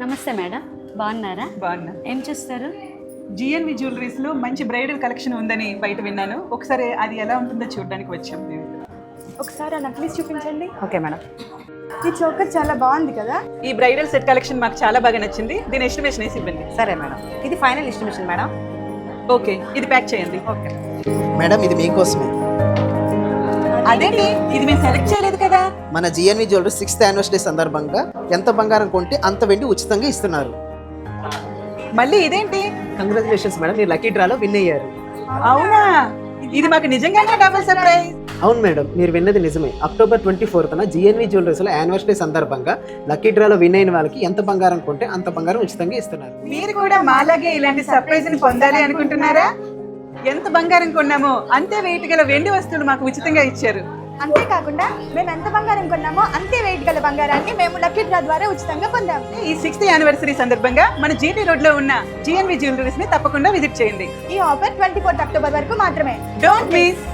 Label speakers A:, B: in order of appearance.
A: నమస్తే మేడం, బాగున్నారా?
B: బాగున్నా.
A: ఏం చూస్తారు?
B: జిఎన్వి జ్యువెలరీస్ లో మంచి బ్రైడల్ కలెక్షన్ ఉందని బయట విన్నాను. ఒకసారి అది ఎలా ఉంటుందో చూడడానికి వచ్చాం.
C: ఒకసారి ఆ నక్లీస్ చూపించండి.
A: Okay madam.
C: ఈ చోకర్ చాలా బాగుంది కదా.
B: ఈ బ్రైడల్ సెట్ కలెక్షన్ మాకు చాలా బాగా నచ్చింది. దీని ఎస్టిమేషన్ వేసి ఇవ్వండి.
A: సరే మేడం, ఇది ఫైనల్ ఎస్టిమేషన్ మేడం.
B: ఓకే, ఇది ప్యాక్ చేయండి.
A: ఓకే
D: మేడం, ఇది మీకోసమే.
B: అదేంటి, ఇది మేము సెలెక్ట్ చేయలేదు కదా.
D: మన జిఎన్వి జ్యువెలరీ 6th యానివర్సరీ సందర్భంగా ఎంత బంగారం కొంటే అంత వెండి ఉచితంగా ఇస్తున్నారు.
B: మళ్ళీ ఇదేంటి?
D: కంగ్రాచులేషన్స్ మేడం, మీరు లక్కీ డ్రాలో విన్ అయ్యారు.
B: అవునా, ఇది మాకు నిజంగానే డబుల్ సర్ప్రైజ్.
D: అవును మేడం, మీరు విన్నది నిజమే. October 24న జిఎన్వి జ్యువెలరీస్లో యానివర్సరీ సందర్భంగా లక్కీ డ్రాలో విన్ అయిన వాళ్ళకి ఎంత బంగారం కొంటే అంత బంగారం ఉచితంగా ఇస్తున్నారు.
B: మీరు కూడా మాలాగే ఇలాంటి సర్ప్రైజ్ ని పొందాలి అనుకుంటున్నారా? ఎంత బంగారం కొన్నామో అంతే వెయిట్ గల వెండి వస్తువులు మాకు ఉచితంగా ఇచ్చారు.
C: అంతేకాకుండా మేము ఎంత బంగారం కొన్నామో అంతే వెయిట్ గల బంగారాన్ని మేము లక్కీ డ్రా ద్వారా ఉచితంగా పొందాము.
B: ఈ 6th యానివర్సరీ సందర్భంగా మన జీటీ రోడ్ లో ఉన్న జిఎన్వి జ్యువెలరీస్ ని తప్పకుండా విజిట్ చేయండి.
C: ఈ ఆఫర్ 24th అక్టోబర్ వరకు మాత్రమే.
B: Don't miss.